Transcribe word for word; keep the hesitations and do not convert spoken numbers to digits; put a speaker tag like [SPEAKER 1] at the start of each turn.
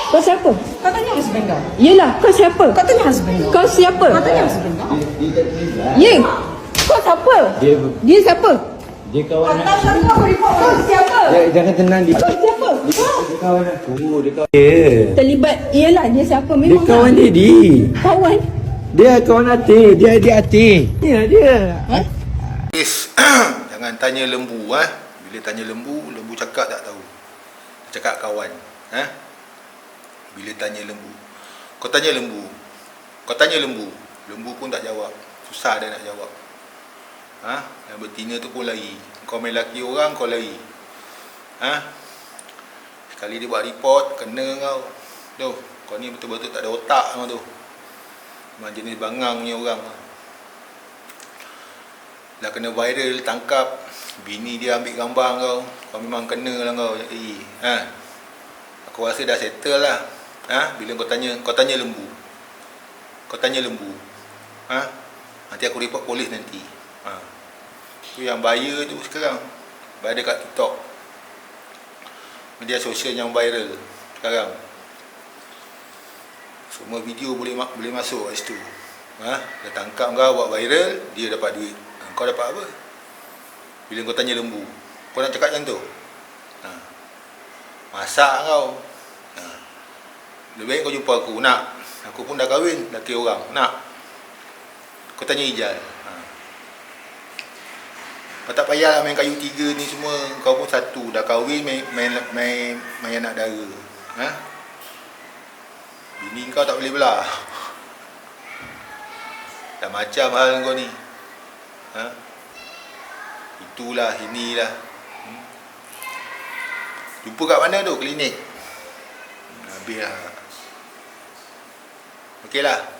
[SPEAKER 1] Kau siapa?
[SPEAKER 2] Kau tanya husband kau.
[SPEAKER 1] Yelah, kau siapa?
[SPEAKER 2] Kau tanya husband kau.
[SPEAKER 1] Kau siapa?
[SPEAKER 2] Kau tanya husband kau.
[SPEAKER 1] Ye, kau siapa?
[SPEAKER 3] Dia
[SPEAKER 1] Dia siapa?
[SPEAKER 3] dia kawan
[SPEAKER 2] Kau tahu kau report kau siapa?
[SPEAKER 3] dia, jangan tenang dia.
[SPEAKER 1] Kau siapa?
[SPEAKER 3] Dia kawan aku, dia kawan dia.
[SPEAKER 1] Terlibat, yelah dia siapa?
[SPEAKER 3] Dia
[SPEAKER 1] Memang
[SPEAKER 3] kawan
[SPEAKER 1] lah.
[SPEAKER 3] dia di.
[SPEAKER 1] Kawan?
[SPEAKER 3] Dia kawan hati, dia dia hati. Dia dia.
[SPEAKER 1] Ha?
[SPEAKER 4] Yes. Jangan tanya lembu ah. Bila tanya lembu, lembu cakap tak tahu. Dia cakap kawan, ha? Bila tanya lembu. Kau tanya lembu. Kau tanya lembu. Lembu pun tak jawab. Susah dia nak jawab. Ha? Yang betina tu pun lari. Kau main laki orang, kau lari. Ha? Sekali dia buat report, kena kau. Tu, kau ni betul-betul tak ada otak kau tu. Memang jenis bangang punya orang. Dah kena viral, tangkap. Bini dia ambil gambar kau. Kau memang kena lah kau. Eh, ha? Aku rasa dah settle lah. Ha? Bila kau tanya, kau tanya lembu. Kau tanya lembu. Ha? Nanti aku report polis nanti. Ha. Tu yang bahaya tu sekarang. Bahaya dekat TikTok. Media sosial yang viral sekarang. Semua video boleh boleh masuk kat situ. Ha? Dia tangkap kau buat viral, dia dapat duit. Ha, kau dapat apa? Bila kau tanya lembu. Kau nak cakap macam tu? Ha. Masak kau. Ha. Lebih baik kau jumpa aku. Nak. Aku pun dah kahwin, laki orang. Nak. Kau tanya Ijal. Ha. Kau tak payahlah main kayu tiga ni semua. Kau pun satu. Dah kahwin main main main, main anak dara. Ha? Bini kau tak boleh belah. Dah macam hal kau ni. Ha? Itulah, inilah. Hmm? Jumpa kat mana tu? Klinik. Habis lah. Okey lah.